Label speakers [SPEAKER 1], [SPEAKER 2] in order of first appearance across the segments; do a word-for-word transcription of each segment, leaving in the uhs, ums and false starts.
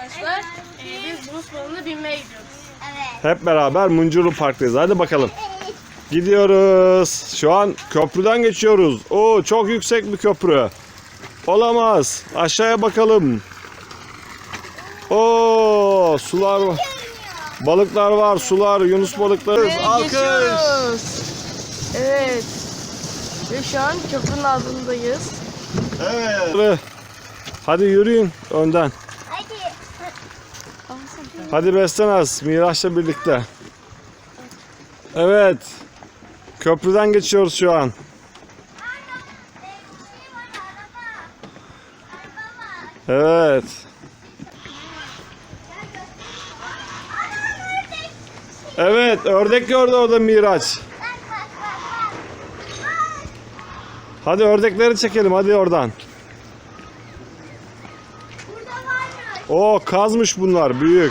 [SPEAKER 1] arkadaşlar. Ee, biz buz balonuna binmeye gidiyoruz.
[SPEAKER 2] Evet.
[SPEAKER 3] Hep beraber Muncurlu Park'tayız. Hadi bakalım. Gidiyoruz. Şu an köprüden geçiyoruz. Oo, çok yüksek bir köprü. Olamaz. Aşağıya bakalım. Oo, sular var. Balıklar var, sular, yunus balıkları. Alkış.
[SPEAKER 1] Geçiyoruz. Evet. Ve şu an köprünün altındayız.
[SPEAKER 3] Evet. Hadi yürüyün önden.
[SPEAKER 2] Hadi.
[SPEAKER 3] Hadi Bestenaz, Miraç'la birlikte. Evet. Köprüden geçiyoruz şu an. Evet. Evet, ördek gördü orada Miraç. Hadi ördekleri çekelim, hadi oradan.
[SPEAKER 2] Burada var mı?
[SPEAKER 3] Oo, kazmış bunlar, büyük.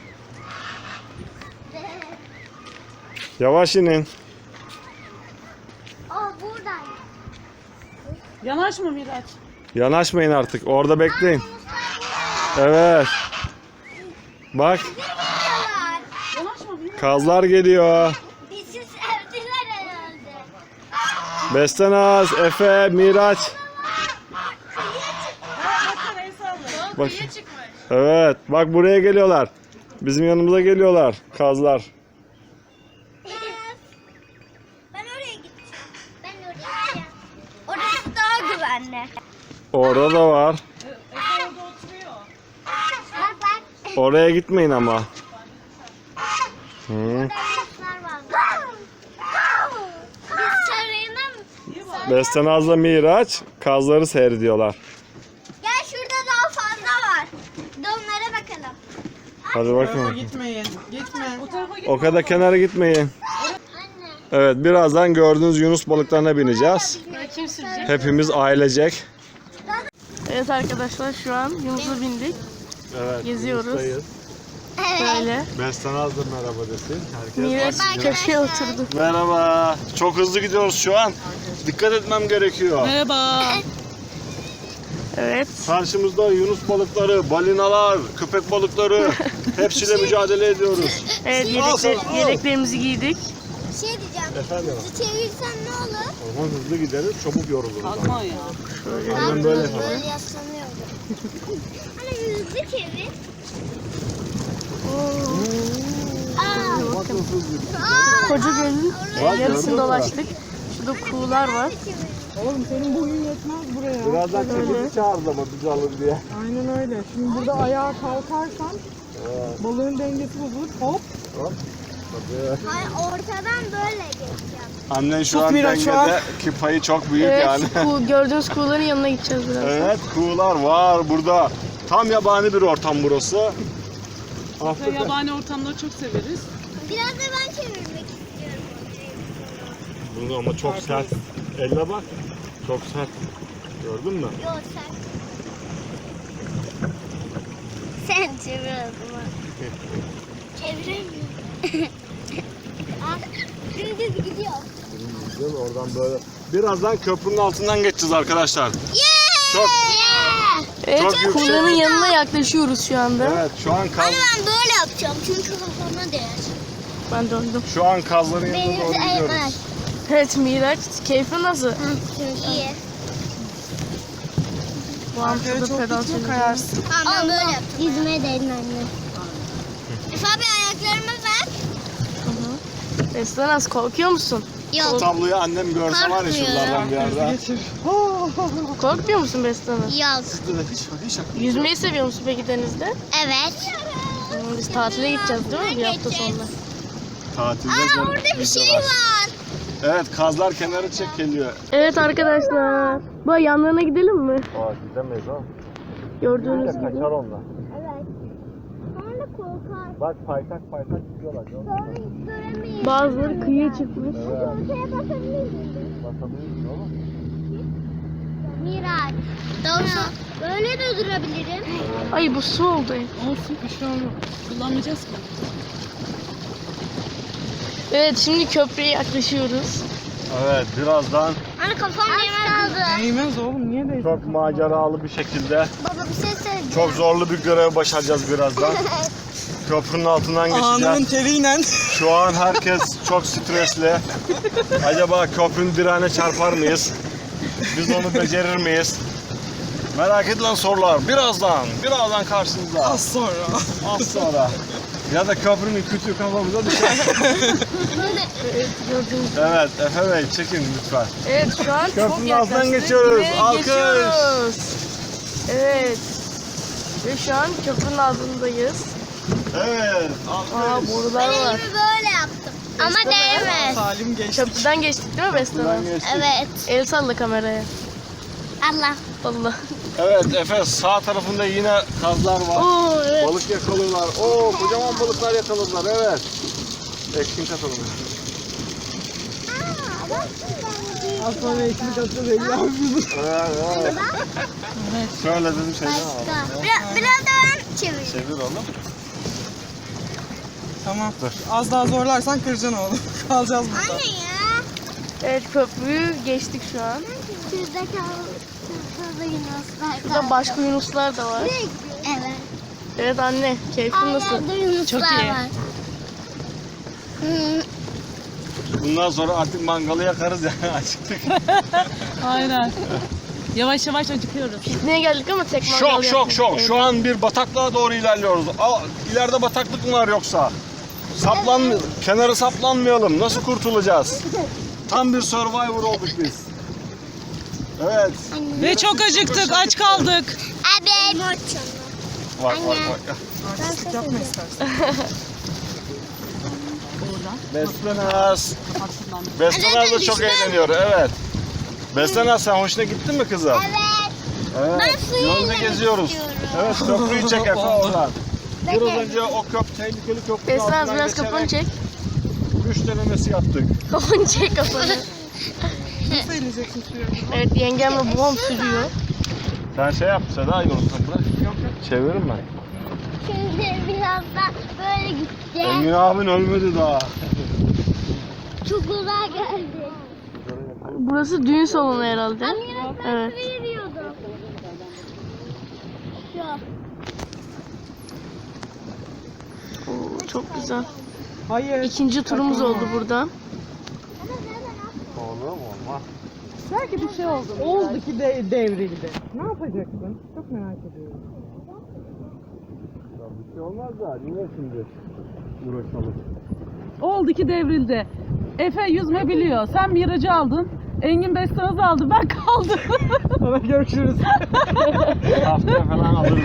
[SPEAKER 3] Yavaş inin.
[SPEAKER 2] Aa buradayım.
[SPEAKER 1] Yanaşma Miraç.
[SPEAKER 3] Yanaşmayın artık, orada bekleyin. Evet. Bak,
[SPEAKER 2] Geliyorlar.
[SPEAKER 1] Yanaşma Miraç.
[SPEAKER 3] kazlar geliyor.
[SPEAKER 2] Bizi sevdiler herhalde.
[SPEAKER 3] Bestenaz, Efe, Miraç.
[SPEAKER 1] Bakın el salla.
[SPEAKER 3] Bak.
[SPEAKER 1] Kıyıya çıkmış.
[SPEAKER 3] Evet, bak buraya geliyorlar. Bizim yanımıza geliyorlar, kazlar.
[SPEAKER 2] Ben oraya gideceğim. Ben oraya gideceğim. Orası daha güvenli.
[SPEAKER 3] Orada da var.
[SPEAKER 1] Efe orada oturuyor.
[SPEAKER 2] Bak bak.
[SPEAKER 3] Oraya gitmeyin ama. Hı.
[SPEAKER 2] Balıklar var. Biz sarayına mı?
[SPEAKER 3] Bestenaz'la Miraç kazları seyrediyorlar.
[SPEAKER 2] Gel şurada daha fazla var. De onlara bakalım.
[SPEAKER 3] Hadi bakın.
[SPEAKER 4] Gitmeyin. Gitme.
[SPEAKER 1] O tarafa git.
[SPEAKER 3] O kadar kenara gitmeyin.
[SPEAKER 2] Anne.
[SPEAKER 3] Evet, birazdan gördüğünüz yunus balıklarına bineceğiz.
[SPEAKER 1] Kim sürecek?
[SPEAKER 3] Hepimiz ailecek.
[SPEAKER 1] Evet arkadaşlar şu an Yunus'a bindik.
[SPEAKER 3] Evet.
[SPEAKER 1] Geziyoruz.
[SPEAKER 3] Yunus'tayız.
[SPEAKER 2] Evet.
[SPEAKER 1] Böyle.
[SPEAKER 3] Bestenaz da merhaba desin. Herkes
[SPEAKER 1] Miraç
[SPEAKER 3] bak-
[SPEAKER 1] köşeye oturdu.
[SPEAKER 3] Merhaba. Çok hızlı gidiyoruz şu an. Dikkat etmem gerekiyor.
[SPEAKER 4] Merhaba.
[SPEAKER 1] Evet.
[SPEAKER 3] Karşımızda yunus balıkları, balinalar, köpek balıkları hepsiyle mücadele ediyoruz.
[SPEAKER 1] Evet
[SPEAKER 3] Al sana,
[SPEAKER 1] yelekler,
[SPEAKER 3] al.
[SPEAKER 1] yeleklerimizi giydik.
[SPEAKER 2] Şey diyeceğim.
[SPEAKER 3] Efendim?
[SPEAKER 2] Hızlı çevirsen ne olur?
[SPEAKER 3] O zaman hızlı gideriz, çabuk yoruluruz.
[SPEAKER 4] Kalkma ya.
[SPEAKER 3] Annem böyle yapar.
[SPEAKER 2] Böyle yaslanıyorum. Hani hızlı çevir. Aa.
[SPEAKER 3] Bakın hızlı.
[SPEAKER 2] Aa.
[SPEAKER 1] Koca gölün
[SPEAKER 3] Bak,
[SPEAKER 1] yarısını
[SPEAKER 3] gördün mü?
[SPEAKER 1] dolaştık. Şurada kuğular var.
[SPEAKER 4] Oğlum senin boyun yetmez buraya.
[SPEAKER 3] Birazdan çekici çağırdı ama bizi alır diye.
[SPEAKER 4] Aynen öyle. Şimdi burada ayağa kalkarsan balığın dengesi bozulur. Hop.
[SPEAKER 3] Hop. Tabii.
[SPEAKER 2] Hayır ortadan böyle geçeceğim.
[SPEAKER 3] Annen şu
[SPEAKER 4] Tut
[SPEAKER 3] an
[SPEAKER 4] Miraç, şu
[SPEAKER 3] dengede ki payı çok büyük
[SPEAKER 1] Evet
[SPEAKER 3] yani.
[SPEAKER 1] kuğu, gördüğünüz kuğuların yanına gideceğiz birazdan.
[SPEAKER 3] Evet, kuğular var burada. Tam yabani bir ortam burası.
[SPEAKER 4] Ve
[SPEAKER 3] Afrika.
[SPEAKER 4] yabani ortamları çok severiz.
[SPEAKER 2] Biraz da ben çevirmek istiyorum.
[SPEAKER 3] Bunu ama çok sert. Elle bak. Çok sert. Gördün mü?
[SPEAKER 2] Yok sen. Sen çevir o zaman. Çeviremiyorum. Ah, dümdüz gidiyor.
[SPEAKER 3] Güzel, oradan böyle. Birazdan köprünün altından geçeceğiz arkadaşlar. Çok.
[SPEAKER 2] Yeah!
[SPEAKER 1] Evet
[SPEAKER 3] Çok yüksek.
[SPEAKER 1] kuğuların yanına yaklaşıyoruz şu anda.
[SPEAKER 3] Evet, şu an kaz,
[SPEAKER 2] Anne ben böyle yapacağım çünkü kafama değer.
[SPEAKER 1] Ben döndüm.
[SPEAKER 3] şu an kazların yanına
[SPEAKER 2] Benim
[SPEAKER 3] doğru
[SPEAKER 2] de
[SPEAKER 3] gidiyoruz.
[SPEAKER 2] evet.
[SPEAKER 1] Evet Miraç keyfi nasıl?
[SPEAKER 2] İyi.
[SPEAKER 1] Bu an
[SPEAKER 4] Böyle
[SPEAKER 1] şurada
[SPEAKER 4] çok
[SPEAKER 1] pedal
[SPEAKER 4] gitme
[SPEAKER 1] çeviriyor.
[SPEAKER 4] kayarsın.
[SPEAKER 2] Ama böyle yapacağım. Yüzüme değdin anne. Efe abi ayaklarımı ver.
[SPEAKER 1] Esra az korkuyor musun?
[SPEAKER 3] O
[SPEAKER 2] Yok.
[SPEAKER 3] tabloyu annem görse var ya şuralardan bir yerden.
[SPEAKER 4] Geçir.
[SPEAKER 1] Korkmuyor musun Bestana?
[SPEAKER 2] Yok.
[SPEAKER 3] Hiç, hiç
[SPEAKER 1] Yüzmeyi seviyor musun peki denizde?
[SPEAKER 2] Evet.
[SPEAKER 1] Hmm, Biz tatile gideceğiz değil mi bir hafta sonra?
[SPEAKER 3] Tatilde
[SPEAKER 2] Aa
[SPEAKER 3] gör-
[SPEAKER 2] orada bir
[SPEAKER 3] video
[SPEAKER 2] şey var.
[SPEAKER 3] Evet, kazlar kenara çekiliyor.
[SPEAKER 1] Evet arkadaşlar. Bu yanlarına gidelim mi?
[SPEAKER 3] Aa, gidemeyiz ha.
[SPEAKER 1] Gördüğünüz gibi.
[SPEAKER 3] Kaçar onlar.
[SPEAKER 2] Evet. Sonra korkar.
[SPEAKER 3] Bak paytak paytak gidiyorlar.
[SPEAKER 2] Sonra hiç göremeyiz.
[SPEAKER 1] Bazıları kıyıya çıkmış.
[SPEAKER 2] Ortaya basabilir miyim?
[SPEAKER 3] Basabiliriz oğlum.
[SPEAKER 2] Miraç. Doğru. Böyle de durabilirim.
[SPEAKER 1] Ay bu su oldu.
[SPEAKER 4] Olsun bir şey olmaz. Kullanmayacağız ki.
[SPEAKER 1] Evet şimdi köprüye yaklaşıyoruz.
[SPEAKER 3] Evet, birazdan
[SPEAKER 2] Anne kafam yemez kaldı.
[SPEAKER 4] Değmez oğlum niye değsin?
[SPEAKER 3] çok maceralı bir şekilde
[SPEAKER 2] Baba bir ses
[SPEAKER 3] Çok zorlu bir görev başaracağız birazdan. Köprünün altından
[SPEAKER 4] Anının
[SPEAKER 3] geçeceğiz.
[SPEAKER 4] teriyle.
[SPEAKER 3] Şu an herkes çok stresli. Acaba köprünün direğine çarpar mıyız? Biz onu becerir miyiz? Merak edilen sorular birazdan, birazdan karşınızda.
[SPEAKER 4] Az sonra.
[SPEAKER 3] Az sonra. Ya da köprünün kütüğü kafamıza düşer.
[SPEAKER 1] Evet gördüğünüz.
[SPEAKER 3] Evet, Efe Bey çekin lütfen.
[SPEAKER 1] Evet şu an çok
[SPEAKER 3] Köprünün altından
[SPEAKER 1] yaklaştık
[SPEAKER 3] geçiyoruz.
[SPEAKER 1] ve
[SPEAKER 3] Alkış.
[SPEAKER 1] geçiyoruz. Evet. Ve şu an köprünün altındayız.
[SPEAKER 3] Evet,
[SPEAKER 1] Aa
[SPEAKER 3] alkış.
[SPEAKER 1] borular var.
[SPEAKER 2] Elimi böyle yaptım. Ama değmez.
[SPEAKER 4] Salim geçti.
[SPEAKER 1] Köprüden geçtik değil mi Beste Hanım?
[SPEAKER 3] Köprüden geçtik.
[SPEAKER 2] Evet.
[SPEAKER 1] El salla kameraya.
[SPEAKER 2] Allah.
[SPEAKER 1] Allah.
[SPEAKER 3] Evet Efe, sağ tarafında yine kazlar var.
[SPEAKER 1] Oo evet.
[SPEAKER 3] Balık yakalıyorlar. Oo, kocaman balıklar yakaladılar. Evet. Ekşin katalım.
[SPEAKER 4] Az sonra ekmek atacağız elli abi.
[SPEAKER 3] Evet, evet. Şöyle dedim şeyden
[SPEAKER 2] Başka.
[SPEAKER 3] alalım.
[SPEAKER 2] Biraz, biraz da ben çevireyim.
[SPEAKER 3] Çevir oğlum.
[SPEAKER 4] Tamam.
[SPEAKER 3] Dur.
[SPEAKER 4] Az daha zorlarsan kıracaksın oğlum. Kalacağız burada.
[SPEAKER 2] Anne ya.
[SPEAKER 1] Evet köprüyü geçtik şu an.
[SPEAKER 2] Şurada kal. Şurada yunuslar
[SPEAKER 1] Burada
[SPEAKER 2] kaldı.
[SPEAKER 1] başka yunuslar da var.
[SPEAKER 2] Evet.
[SPEAKER 1] Evet anne keyfin nasıl?
[SPEAKER 2] Aynen de yunuslar
[SPEAKER 1] Çok iyi.
[SPEAKER 2] var. Hı.
[SPEAKER 3] Bundan sonra artık mangalı yakarız yani açıktık.
[SPEAKER 5] Aynen. Yavaş yavaş acıkıyoruz.
[SPEAKER 1] Pikniğe geldik ama tek mangal
[SPEAKER 3] Şok şok
[SPEAKER 1] yapmadık.
[SPEAKER 3] şok.
[SPEAKER 1] Evet.
[SPEAKER 3] Şu an bir bataklığa doğru ilerliyoruz. Aa, ileride bataklık mı var yoksa? Saplan, kenara saplanmayalım. Nasıl kurtulacağız? Tam bir survivor olduk biz. Evet.
[SPEAKER 5] Ve çok acıktık, aç kaldık.
[SPEAKER 2] Abi.
[SPEAKER 3] Bak bak bak.
[SPEAKER 4] Artistlik yapma istersen.
[SPEAKER 3] Beslenaz. Beslenaz da çok eğleniyor. Evet. Beslenaz sen hoşuna gitti mi kızım?
[SPEAKER 2] Evet.
[SPEAKER 3] Evet.
[SPEAKER 2] Ben suyu
[SPEAKER 3] Yolda
[SPEAKER 2] inmek
[SPEAKER 3] geziyoruz.
[SPEAKER 2] istiyorum.
[SPEAKER 3] Evet köprüyü çek Efe oradan. Biraz
[SPEAKER 2] Bakın.
[SPEAKER 3] önce o köprü, tehlikeli köprünün
[SPEAKER 1] Beslenaz
[SPEAKER 3] altından
[SPEAKER 1] biraz kafanı
[SPEAKER 3] geçerek
[SPEAKER 1] çek.
[SPEAKER 3] güç denemesi yaptık.
[SPEAKER 1] Kafanı çek kafanı.
[SPEAKER 4] Nasıl eğileceksin suya?
[SPEAKER 1] Evet yengemle babam sürüyor.
[SPEAKER 3] Sen şey yap, Seda yorulsun bırak. Çeviririm ben.
[SPEAKER 2] Şimdi biraz da böyle gitti.
[SPEAKER 3] Engin abin ölmedi daha.
[SPEAKER 2] Çok uzağa geldi.
[SPEAKER 1] Burası düğün salonu herhalde. Evet.
[SPEAKER 2] Veriyordum. Şu.
[SPEAKER 1] Oo, çok güzel.
[SPEAKER 4] Hayır.
[SPEAKER 1] İkinci turumuz oldu burada.
[SPEAKER 3] Olur mu olmaz.
[SPEAKER 4] Belki bir şey oldu. Oldu ki de devrildi. Ne yapacaksın? Çok merak ediyorum.
[SPEAKER 3] Bir şey olmaz da niye şimdi uğraşalım?
[SPEAKER 5] Oldu ki devrildi. Efe yüzme biliyor. Sen Miraç'ı aldın. Engin Bestanız'ı aldı. Ben kaldım.
[SPEAKER 4] Sonra görüşürüz.
[SPEAKER 3] Haftaya falan alırız.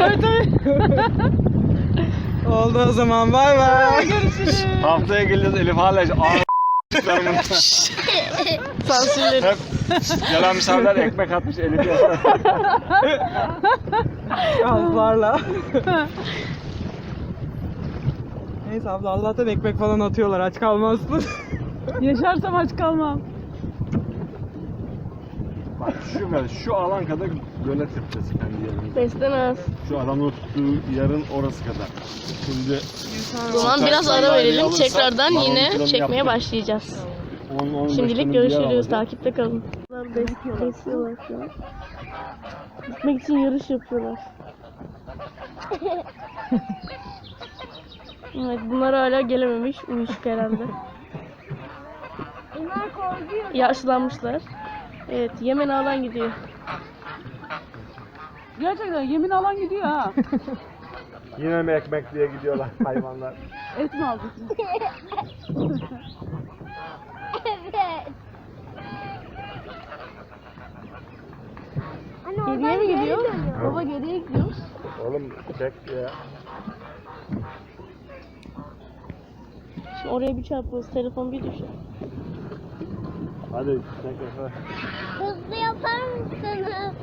[SPEAKER 4] Oldu o zaman. Bay bay.
[SPEAKER 3] Haftaya geleceğiz Elif hala ağır
[SPEAKER 1] Sansürleri.
[SPEAKER 3] hep gelen misafirler ekmek atmış Elif yapar.
[SPEAKER 4] Gazlarla. Neyse abla Allah'tan ekmek falan atıyorlar. Aç kalmazsın.
[SPEAKER 5] Yaşarsam aç kalmam.
[SPEAKER 3] Bak şu kadar, şu alan kadar gölet yapacağız kendi yerimize.
[SPEAKER 1] Beslenaz.
[SPEAKER 3] Şu adamın tuttuğu yarın orası kadar. Şimdi
[SPEAKER 1] O zaman biraz ara
[SPEAKER 3] Sandalyeyi
[SPEAKER 1] verelim.
[SPEAKER 3] alırsak
[SPEAKER 1] Tekrardan
[SPEAKER 3] balon
[SPEAKER 1] yine
[SPEAKER 3] planı
[SPEAKER 1] çekmeye
[SPEAKER 3] yaptık.
[SPEAKER 1] başlayacağız.
[SPEAKER 3] on on beş
[SPEAKER 1] Şimdilik
[SPEAKER 3] tane bir yer
[SPEAKER 1] görüşürüz.
[SPEAKER 3] alacağız.
[SPEAKER 1] Takipte kalın. Besliyorlar şu an. Gitmek için yarış yapıyorlar. Evet, bunlar hala gelememiş. Uyuşuk herhalde.
[SPEAKER 2] Bunlar korkuyor.
[SPEAKER 1] Yaşlanmışlar. Evet, Yemen alan gidiyor.
[SPEAKER 5] Gerçekten yemin alan gidiyor ha.
[SPEAKER 3] Yine mi ekmek diye gidiyorlar hayvanlar?
[SPEAKER 5] Et mi aldık?
[SPEAKER 2] Evet. Anne
[SPEAKER 1] Geriye mi gidiyor? Baba geriye gidiyoruz.
[SPEAKER 3] Oğlum çek ya.
[SPEAKER 1] Şimdi oraya bir çarpıyoruz. Telefon bir düşer.
[SPEAKER 3] Hadi çek Efe.
[SPEAKER 2] hızlı yapar mısınız?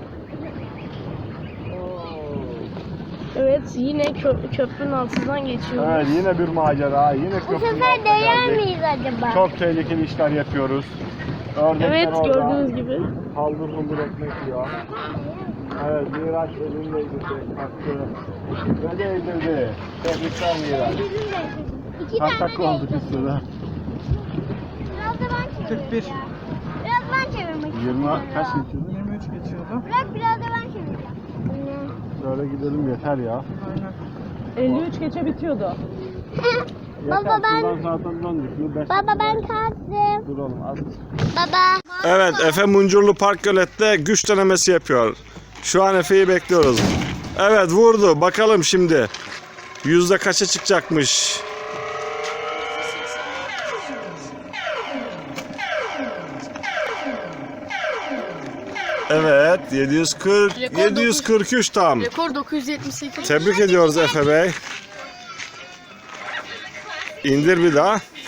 [SPEAKER 1] Evet, yine kö- köprünün altından geçiyoruz.
[SPEAKER 3] Evet yine bir macera. Yine
[SPEAKER 2] Bu
[SPEAKER 3] köprünün
[SPEAKER 2] sefer
[SPEAKER 3] altına
[SPEAKER 2] değer
[SPEAKER 3] geldik.
[SPEAKER 2] miyiz acaba?
[SPEAKER 3] Çok tehlikeli işler yapıyoruz. Ördekler
[SPEAKER 1] Evet,
[SPEAKER 3] orada.
[SPEAKER 1] gördüğünüz gibi.
[SPEAKER 3] Haldır huldur ekmek yiyor. Evet, Miraç elindeydi, taktı. Ve değdirdi. Tebrikler Miraç.
[SPEAKER 2] İki
[SPEAKER 3] Kaç
[SPEAKER 2] tane
[SPEAKER 3] dakika oldu
[SPEAKER 2] değil.
[SPEAKER 3] üstüne?
[SPEAKER 2] Biraz da ben çeviriyorum
[SPEAKER 4] kırk bir.
[SPEAKER 2] ya. Biraz ben çevirmek
[SPEAKER 3] yirmi
[SPEAKER 2] istiyorum.
[SPEAKER 3] kaç geçiyordu?
[SPEAKER 4] yirmi üç geçiyordu.
[SPEAKER 2] Bırak biraz da ben çevireceğim.
[SPEAKER 3] Şöyle gidelim yeter ya.
[SPEAKER 5] elli üç geçe bitiyordu.
[SPEAKER 2] Baba ben
[SPEAKER 3] Buradan zaten döndük. Beş
[SPEAKER 2] Baba ben kalktım.
[SPEAKER 3] Dur oğlum az.
[SPEAKER 2] Baba.
[SPEAKER 3] Evet, Efe Muncurlu Park Gölet'te güç denemesi yapıyor. Şu an Efe'yi bekliyoruz. Evet, vurdu. Bakalım şimdi. Yüzde kaça çıkacakmış? Evet, yedi yüz kırk, yedi yüz kırk üç tam.
[SPEAKER 1] Rekor dokuz yüz yetmiş sekiz.
[SPEAKER 3] Tebrik ediyoruz Efe Bey. İndir bir daha.